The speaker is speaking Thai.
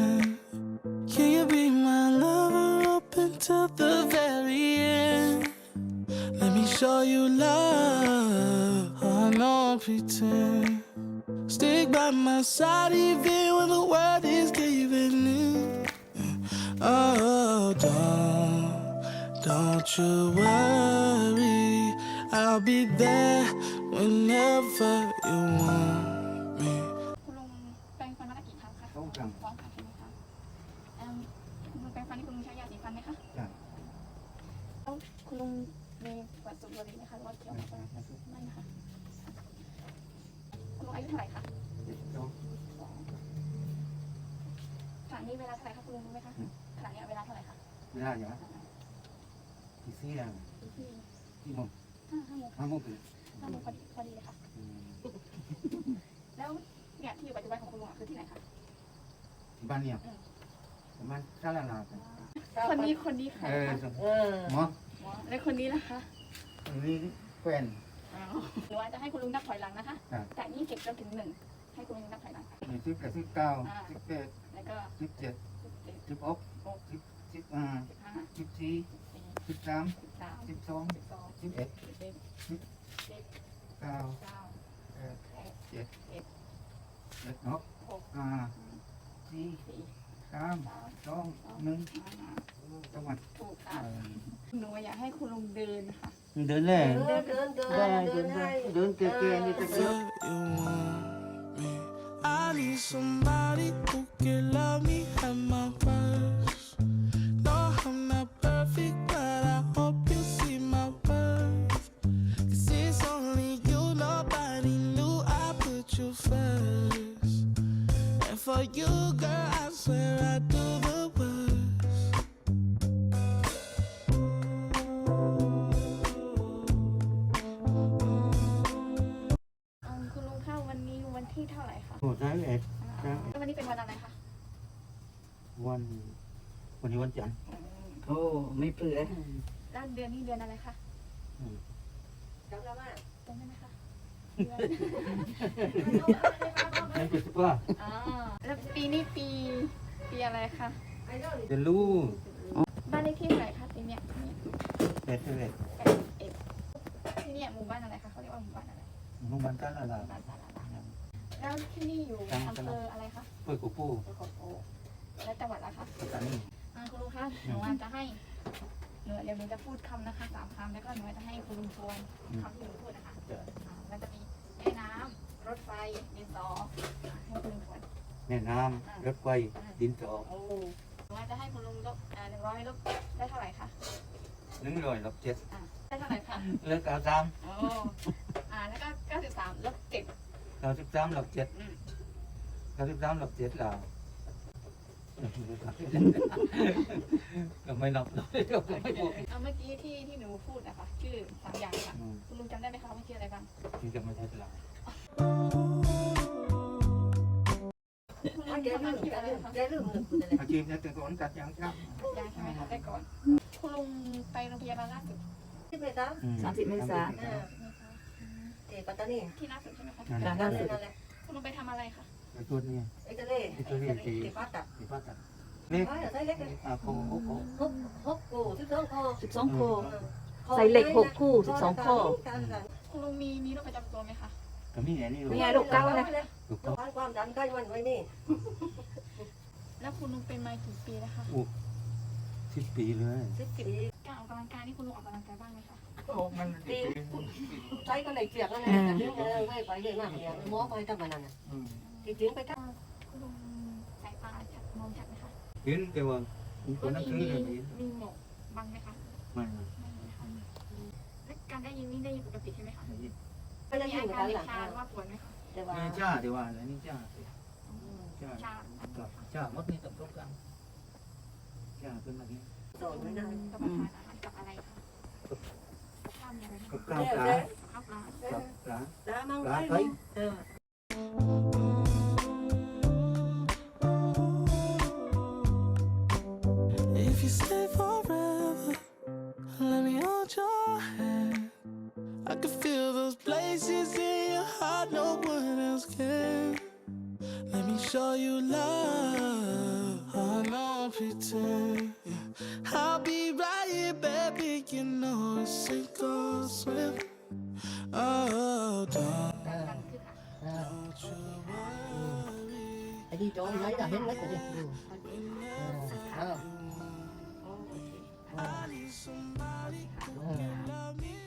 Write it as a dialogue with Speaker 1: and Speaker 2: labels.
Speaker 1: pretend? Can you be my lover up until the very end? Let me show you love. Oh, I know I pretend. Stick by my side even when the world is giving in. Oh, don't you worry. I'll be there whenever you want me.
Speaker 2: คุณลุงแปรงฟันวันละกี่ครั้งคะ
Speaker 3: 2 ครั้ง
Speaker 2: 2 ครั้งใช่ไหมคะคุณลุงแปรงฟันนี่คุณลุงใช้ยาสีฟันไหมคะ
Speaker 3: จ้ะ
Speaker 2: แล้วคุณลุงมีประวัติสูบบุหรี่ไหมคะหรือว่าเกี่ยวกับอะไรไม่นะคะคุณลุงอายุเท่าไหร่คะ ขณะนี้เวลาเท่าไหร่คะคุณลุงรู้ไหมคะขณะนี้เวลาเท่าไหร่คะ
Speaker 3: เวลาอย่างที่4แล้ว
Speaker 2: ที่
Speaker 3: ที่โมง
Speaker 2: 5 โมง
Speaker 3: 5 โมงถึง
Speaker 2: 5 โมงพอดีเลยค่ะ แล้วเนี่ยที่อยู่ปัจจุบันของคุณลุงคือที่ไหนคะ
Speaker 3: ที่บ้านเนี่ยประมาณซาลาลากัน
Speaker 2: คนนี้ใครคะ
Speaker 3: หมอ
Speaker 2: แล้วคนนี้ล่ะคะ
Speaker 3: คนนี้แฟน
Speaker 2: หรือว่าจะให้คุณลุงนับถอยหลังนะคะจาก20จนถึง1ให้คุณลุงนับถอยหลัง
Speaker 3: มี10 กับ 19 18
Speaker 2: แล้วก็
Speaker 3: 17 16 15 14 13 12 11 9 7 6 5 4 3 2 1จังหวัด
Speaker 2: ถูกค่ะหนูอยากให้คุณลุงเดินค่ะ
Speaker 3: เดินเลย
Speaker 4: เดิน
Speaker 3: เดินเก๋ๆนี่จะเดิน
Speaker 1: You want me? I need somebody who can love me at my worst. No, I'm not perfect, but I hope you see my worth. 'Cause it's only you, nobody knew I put you first. And for you, girl, I swear I do the worst.
Speaker 2: คุณลุงคะวันนี้วันที่เท่าไหร่คะ
Speaker 3: โอ้ได้เอ็ด
Speaker 2: วันนี้เป็นวันอะไรคะ
Speaker 3: วันนี้วันจันทร์
Speaker 4: โอ้ไม่เปลือย
Speaker 2: แล้วเดือนนี้เดือนอะไรคะ
Speaker 4: จำได้ไหม
Speaker 2: จำได้ไหมคะ
Speaker 3: ไม่เป็นว่า
Speaker 2: อ๋อแล้วปีนี้ปีอะไรคะ
Speaker 3: จะรู้
Speaker 2: บ้านเลขที่เท่าไหร่คะปีเนี้ย
Speaker 3: เอ็ดเอ็ด
Speaker 2: ที่เนี่ยหมู่บ้านอะไรคะเขาเรียกว่าหมู่บ้านอะไร
Speaker 3: มุมันกันละ
Speaker 2: บ้านสาราแล้วที่นี่อยู่อำเภออะไรคะ
Speaker 3: เพื่อกูปู
Speaker 2: อำเภอโขโขและจังหวัดอะไรคะ
Speaker 3: ปัตตานี
Speaker 2: คุณลุงคะหนูจะให้เดี๋ยวหนูจะพูดคำนะคะ3 คำแล้วก็หนูจะให้คุณลุงทวนคำที่หนูพูดนะคะมันจะมีแม่น้ำรถไฟดินสอให้คุณลุงทวน
Speaker 3: แม่น้ำรถไฟดินสอ
Speaker 2: โอ้หนูจะให้คุณลุงลบ100ลบได้เท่าไหร่คะ
Speaker 3: 100 ลบ 7
Speaker 2: ได้เท่าไหร่คะ
Speaker 3: เลิก93
Speaker 2: โอ้แล้วก็93ลบ7
Speaker 3: 93 ลบ 7 93 ลบ 7เราก็ไม่นับเลยก็ไม่บอก
Speaker 2: เมื่อกี้ที่หนูพูดนะคะชื่อ3 อย่างค่ะคุณลุงจำได้ไหมคะว่าชื่ออะไรบ้าง
Speaker 3: ที่จะไม่ใช่เรา
Speaker 2: คุณลุงทำอาชีพอะไรคะ
Speaker 4: ได้ลืมหนึ่งคุณอะไร
Speaker 3: อาชีพเนี่ยเป็นคนตัดยางครับ
Speaker 2: ยายใช่ไหมคะได้ก่อนคุณลุงไปโรงพยาบาลล่าสุด
Speaker 4: ที่ไปซ้ำ
Speaker 3: 30 เมษายน
Speaker 4: ที่ปัตตานี
Speaker 2: ที่ล่าสุดใช่ไหมคะ
Speaker 4: นั่นแหละ
Speaker 2: คุณลุงไปทำอะไรคะ
Speaker 3: ไปตัวนี้
Speaker 4: ไอ้ทะเลที่พัดตัด
Speaker 3: ที่ป้าตัดนี่
Speaker 4: ใส่เล็กเลย
Speaker 3: โค้ง
Speaker 4: หกกู12 ข้อ
Speaker 5: 12 ข้อใส่เหล็ก6 คู่ 12 ข้อ
Speaker 2: คุณลุงมีโรคประจำตัวไหมคะ
Speaker 3: ก็มีอย่างนี้
Speaker 5: มีไงลูกเก้านะ
Speaker 3: ถูกต้อง
Speaker 4: ความดันใกล้มันไว้นี่
Speaker 2: แล้วคุณลุงเป็นมากี่ปีแล้วคะ
Speaker 3: 10 ปีเลย
Speaker 2: การออกกำลังกายนี่คุณลุงออกกำลังกายบ้างไหมคะ
Speaker 4: โอ้มันดีใช้ก็เลยเจียกแล้วไงแต่ถึงไม่ไปเลยมากเนี่ยหมอไปทำมันนั่นน่ะจริงๆไปทำ
Speaker 2: คุณลุงสายตาชัดมองชัดไหมคะ
Speaker 3: เห็นแต่ว่าคนนักซื้อเลย
Speaker 2: มีหมอกบังไหมคะ
Speaker 3: ไม่
Speaker 2: ไม่มีค่ะและการได้ยินนี่ได้ยินปกติใช่ไหมคะ
Speaker 4: ไม่ได้
Speaker 2: มี
Speaker 4: ยิน
Speaker 2: อา
Speaker 4: กั
Speaker 2: การ
Speaker 4: น
Speaker 2: เด็
Speaker 4: หลั
Speaker 2: ก
Speaker 4: ง
Speaker 2: ชาหรือว่าปวดไหมคะ
Speaker 4: แต่ว่า
Speaker 3: นี่จ้าดีว่าแล้วนี่จ้า
Speaker 2: ชา
Speaker 3: จ้ามัดนี่ต้องต้องกันจ้าเป็นแบบนี้
Speaker 4: สอนไม่ได้
Speaker 2: กับประทานอาหารกับอะไรคะข้าวมีอะไรบ้าง
Speaker 3: กับข้าวปลา
Speaker 2: ข้าวปลา
Speaker 3: กับปลา
Speaker 4: đã mang
Speaker 3: Lá
Speaker 4: cái
Speaker 3: thấy.
Speaker 4: luôn.
Speaker 1: If you stay forever, let me hold your hand. I can feel those places in your heart no one else can. Let me show you love. pretend. Yeah. I'll be right here, baby. You know it's sink or swim. Oh, don't
Speaker 2: ดันขึ้นค่ะ
Speaker 1: you worry.
Speaker 4: ไอ้ที่จอมไหนจะเห็นไหมกูดิ
Speaker 2: โอเค
Speaker 1: I need somebody who can love me